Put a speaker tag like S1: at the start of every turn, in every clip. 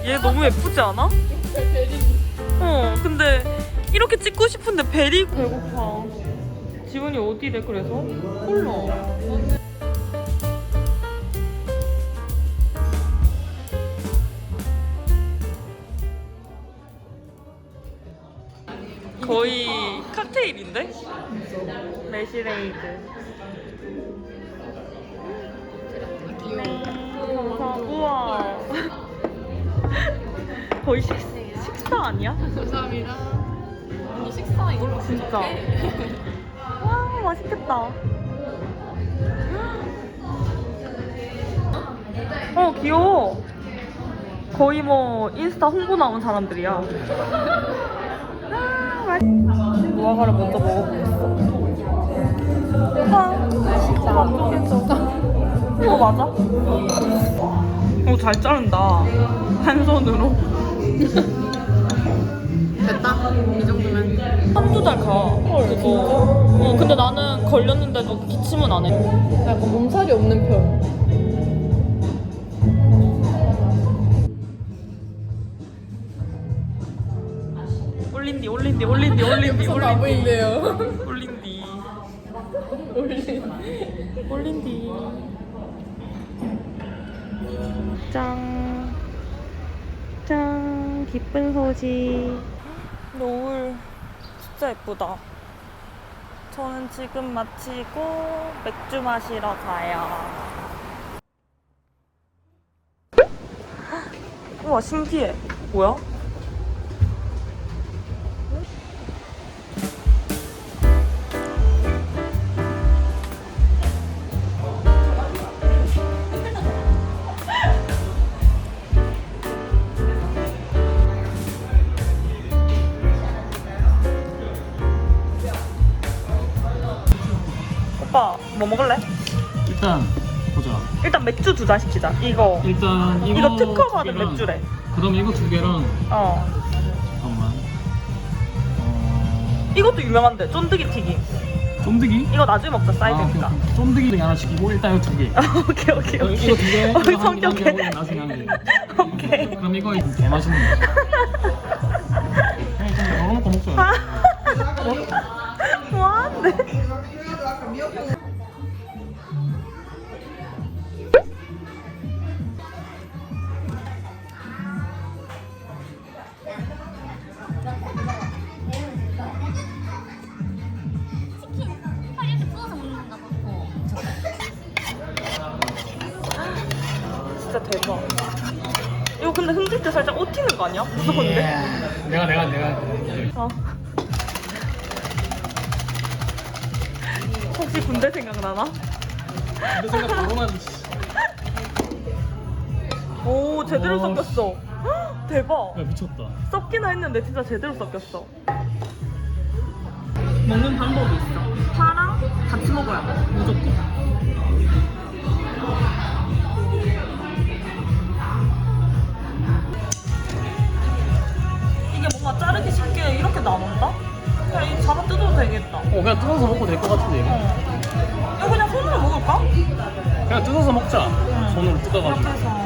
S1: 얘 너무 예쁘지 않아? 근데 이렇게 찍고 싶은데 베리 배고파. 지훈이 어디래 그래서? 몰라. 거의 칵테일인데? 매실에이드. 감사. 우와. 거의 식사 아니야?
S2: 감사합니다. 언니 식사 이걸로
S1: 진짜. 와, 맛있겠다. 귀여워. 거의 뭐 인스타 홍보 나온 사람들이야. 무화과를 먼저 먹어보겠어. 맛있다. 만족했어. 이거 맞아? 잘 자른다. 한 손으로.
S2: 됐다. 이 정도면.
S1: 한두 달 가. 그거. 근데 나는 걸렸는데도 기침은 안 해.
S2: 약간 몸살이 없는 편.
S1: 올린디.
S2: 보인대요.
S1: 올린디. 짠. 기쁜 소식. 노을 진짜 예쁘다. 저는 지금 마치고 맥주 마시러 가요. 우와, 신기해. 뭐야? 오빠 뭐 먹을래?
S3: 일단 보자.
S1: 일단 맥주 2잔 시키자. 이거
S3: 일단
S1: 이거 특허 받은
S3: 두 개랑,
S1: 맥주래.
S3: 그다음에 이거 2개랑
S1: 어.
S3: 잠깐만.
S1: 이것도 유명한데 쫀득이 튀김.
S3: 쫀득이?
S1: 이거 나중에 먹자. 사이드니까.
S3: 오케이. 쫀득이 하나 시키고 일단 이거 2개.
S1: 오케이.
S3: 이거 2개. 이거 한 개,
S1: 성격해.
S3: 한 개, 나중에 한 개.
S1: 오케이.
S3: 그럼 이거 개 맛있는 거. 그냥 좀 덜어놓고 먹자.
S1: 뭐하는데? 진짜 대박. 이거 근데 흔들 때 살짝 옷 튀는 거 아니야? 무서운데?
S3: 내가.
S1: 어. 혹시 군대 생각나나?
S3: 근데 생각 바로만.
S1: 오, 제대로 섞였어. 헉, 대박.
S3: 야 미쳤다.
S1: 섞이나 했는데 진짜 제대로 섞였어. 먹는 방법이 있어. 파랑 같이 먹어야 돼. 무조건. 이게 뭔가 자르기 쉽게 이렇게 나온다? 그냥 이거 잡아 뜯어도 되겠다.
S3: 그냥 뜯어서 먹고 될 것 같은데 이거.
S1: 이거 그냥 손으로 먹을까?
S3: 그냥 뜯어서 먹자. 손으로 뜯어가지고.
S1: 이렇게 해서.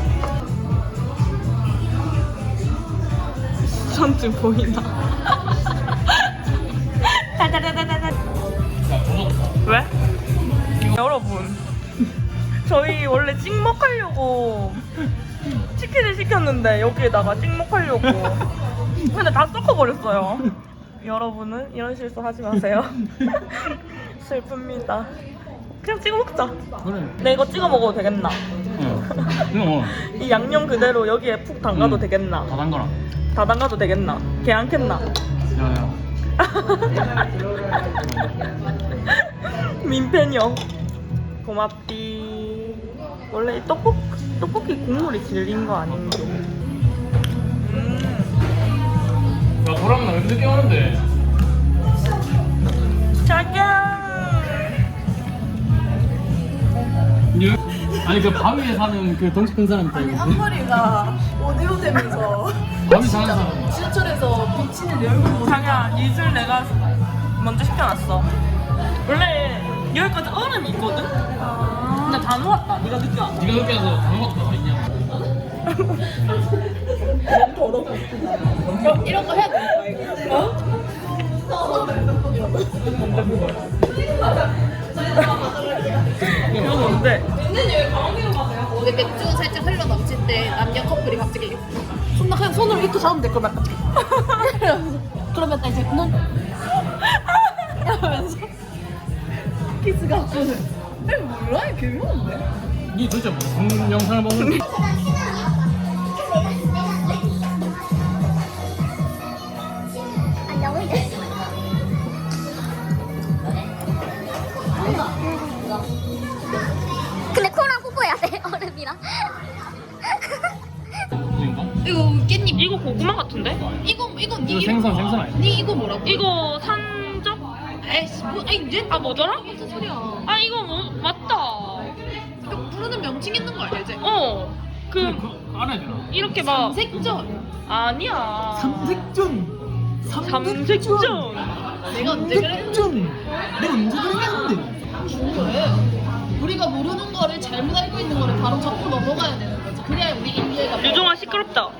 S1: 수전증 보이나? 왜? 여러분, 저희 원래 찍먹하려고 치킨을 시켰는데 여기에다가 찍먹하려고 근데 다 섞어버렸어요. 여러분은 이런 실수 하지 마세요. 슬픕니다. 그냥 찍어 먹자.
S3: 그래.
S1: 내 이거 찍어 먹어도 되겠나?
S3: 응.
S1: 이 양념 그대로 여기에 푹 담가도 되겠나?
S3: 다 담가라.
S1: 다 담가도 되겠나? 걔 안 캤나?
S3: 야야.
S1: 민폐녀. 고맙디. 원래 이 떡볶이 국물이 질린 거 아닌가?
S3: 야 보람은 나 왜 늦게 오는데?
S1: 짜잔.
S3: 아니 그 바위에 사는 그 덩치 큰 사람 있다.
S2: 아니 앞머리가 오디오 되면서
S3: 바위 사는 사람.
S2: 지하철에서 비치는 내 얼굴 보고
S1: 자기야, 이슬 내가 먼저 시켜놨어. 원래 여기까지 얼음이 있거든? 근데 다 녹았다. 네가 늦게 왔어.
S3: 네가 늦게 와서 다 먹었다 와 있냐?
S2: 이런 거 해야 되는 거야 이거.
S1: 이건 뭔데?
S2: 근데 맥주 살짝 흘러 넘칠 때 남녀 커플이 갑자기 손 그냥 손으로 이렇게 잡으면 돼. 그러면 그러면 딱 이제 눈 이러면서 키스가 없거든. 몰라 이게 개묘한데.
S3: 니 도대체 무슨 영상을 보는 거야?
S4: 근데 코랑 뽀뽀해야 돼 얼음이랑.
S2: 이거 깻잎.
S1: 이거 고구마 같은데?
S2: 이거 니
S3: 이거
S2: 이름
S3: 생선
S2: 뭐야?
S3: 생선 아니야?
S2: 니 이거 뭐라고?
S1: 이거 산적?
S2: 에이씨 뭐 아니 이제
S1: 아 뭐더라?
S2: 무슨 소리야?
S1: 아 이거 뭐 맞다.
S2: 이거 부르는 명칭 있는 거 알지?
S1: 그
S3: 그거 알아야 되나?
S1: 이렇게 막
S2: 색전.
S1: 아니야.
S3: 삼색전.
S1: 삼색전.
S2: 내가 언제 그랬는데?
S3: 내가 언제 그랬는데?
S2: 왜? 우리가 모르는 거를 잘못 알고 있는 거를 바로 접고 넘어가야 되는 거지. 그래야 우리 인류애가
S1: 유종아 시끄럽다.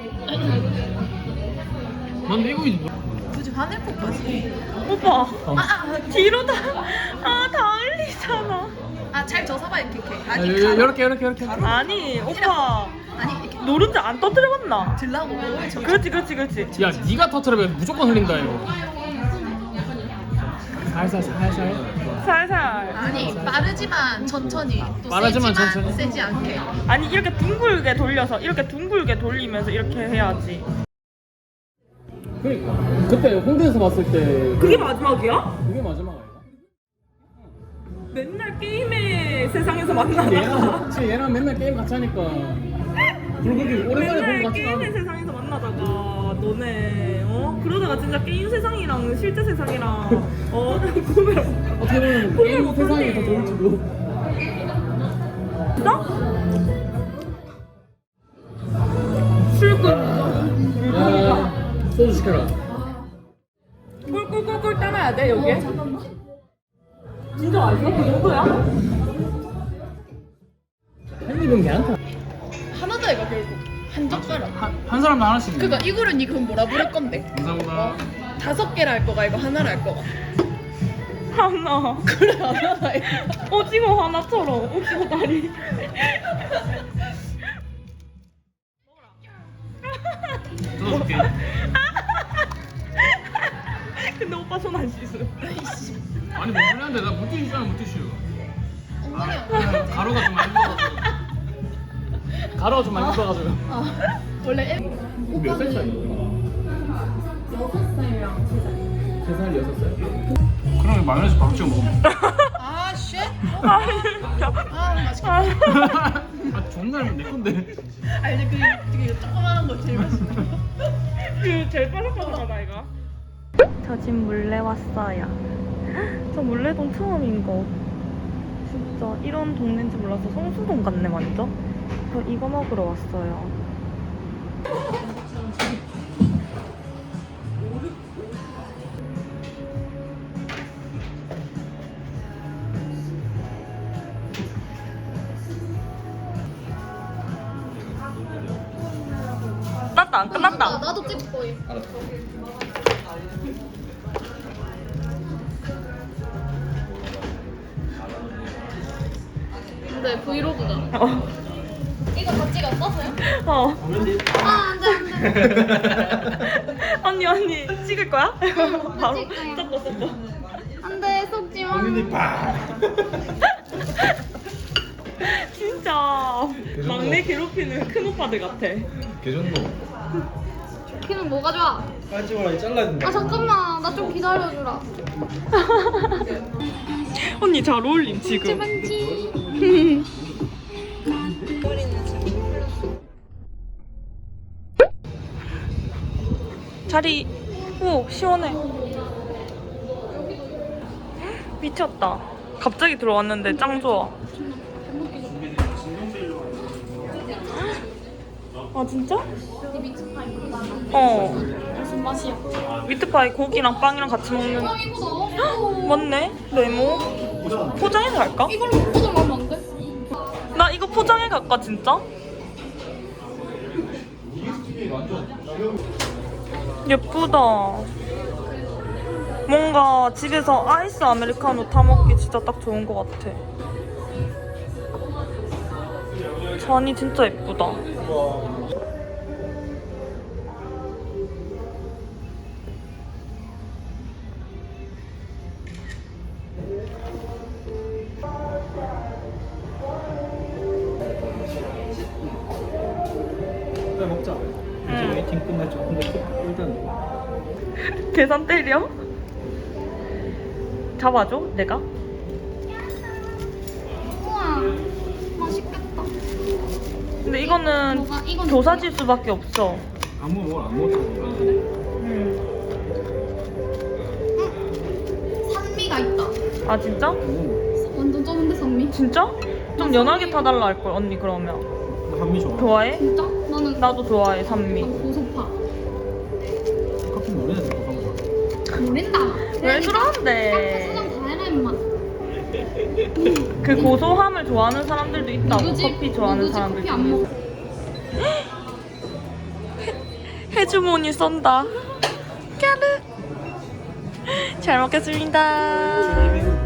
S3: 근데 이거 이제 뭐?
S2: 굳이 화낼 것까지.
S1: 오빠 뒤로 다 흘리잖아.
S2: 잘 져서봐 이렇게.
S3: 이렇게.
S1: 아니 오빠
S2: 아니 이렇게
S1: 노른자 안 터뜨려봤나?
S2: 들라고.
S1: 그렇지.
S3: 야, 네가 터트려면 무조건 흘린다 이거. 살살.
S1: 살살.
S2: 아니 빠르지만 천천히. 또
S3: 빠르지만
S2: 세지만
S3: 천천히.
S2: 세지 않게.
S1: 아니 이렇게 둥글게 돌려서 이렇게 둥글게 돌리면서 이렇게 해야지.
S3: 그러니까 그때 홍대에서 봤을 때
S1: 그게 마지막이야?
S3: 그게 마지막 아이가?
S1: 맨날 게임의 세상에서 만나다가
S3: 얘랑 맨날 게임 같이 하니까 불고기 오랜만에 보고
S1: 맨날
S3: 같이
S1: 게임의
S3: 나와.
S1: 세상에서 만나다가 너네 그러다가 진짜 게임 세상이랑 실제 세상이랑 구별
S3: 어떻게 보면 게임 세상이 더 좋을지도.
S1: 출근
S3: 야, 소주 시켜라.
S1: 꿀꿀꿀꿀 따라야 돼 여기에? 진짜 맛있어? 그 정도야?
S3: 한 입은 괜찮다.
S2: 하나다 이거 결국 한 젓가락.
S3: 한 사람도 하나씩.
S2: 그니까 이거를 니 그럼 뭐라 부를 건데?
S3: 감사합니다.
S2: 5개를 할 거가 이거 하나를 할 거가.
S1: 하나
S2: 그래 하나다 이거.
S1: 오징어 하나처럼 오징어 다리
S3: 저도 볼게.
S1: 근데 오빠 손 안 씻음
S3: 아니 뭐 그랬는데 나 물티슈 있잖아 물티슈.
S2: 엉덩이야.
S3: 가루가 좀 많이 묻어가지고. 가루가 좀 많이 묻어가지고.
S2: 원래 애
S3: 몇 살 차이?
S2: 6살이랑
S3: 3살, 6살? 그러면 마요네즈 바로 찍어 먹으면.
S2: 아 쉣.
S1: 아 진짜
S2: 아 맛있겠다.
S3: 아 존나 내 건데.
S2: 알지 그 되게 조그만한 거 제일 맛있어.
S1: 그 제일 바삭바삭하다 이거 저 집 물레 왔어요 저 물레동 처음인 거 진짜 이런 동네인지 몰라서 성수동 같네 완전 저 이거 먹으러 왔어요 끝났다 안 끝났다
S2: 나도 찍을 거예요. 근데 브이로그가 이거 다 찍었어요? 아 안돼
S1: 언니 찍을 거야? 바로
S4: 찍을 거야.
S1: 섞어
S4: 안돼 속지 마.
S1: 진짜 막내 괴롭히는 큰 오빠들 같아
S5: 개정도
S4: 걔는 뭐가 좋아?
S5: 빨리 찍어라 이 잘라야 된다.
S4: 아 잠깐만 나 좀 기다려주라.
S1: 언니 잘 어울림 지금
S4: 만지.
S1: 자리 오 시원해 미쳤다 갑자기 들어왔는데 짱 좋아 아 진짜?
S4: 무슨 맛이야?
S1: 미트파이 고기랑 빵이랑 같이 먹는
S4: 이거 넣어.
S1: 맞네 네모 포장해서 갈까?
S4: 이걸로 포장하면 안 돼?
S1: 나 이거 포장해 갈까 진짜? 예쁘다. 뭔가 집에서 아이스 아메리카노 타먹기 진짜 딱 좋은 것 같아. 잔이 진짜 예쁘다.
S5: 그래 먹자. 이제 웨이팅 끝났죠. 근데 일단
S1: 계산 때려? 잡아줘, 내가?
S4: 우와, 맛있겠다.
S1: 근데 이거는
S4: 뭐가? 이건
S1: 교사질 수밖에 없어.
S5: 아무 뭘안 먹었다고.
S4: 산미가 있다.
S1: 아 진짜?
S4: 완전 쩌는데 산미?
S1: 진짜? 좀 연하게 타달라 할걸 언니 그러면.
S5: 나 한미 좋아.
S1: 좋아해?
S4: 진짜? 나는
S1: 나도 좋아해 산미.
S4: 고소파.
S5: 커피 모르는 거 가보자.
S4: 모른다.
S1: 왜
S4: 카페
S1: 그러는데?
S4: 수정 다 해라 임마.
S1: 그 고소함을 좋아하는 사람들도 있다고.
S4: 누구지?
S1: 커피 좋아하는
S4: 누구지?
S1: 사람들
S4: 커피 안 먹어.
S1: 해주머니 쏜다. 까르. 잘 먹겠습니다.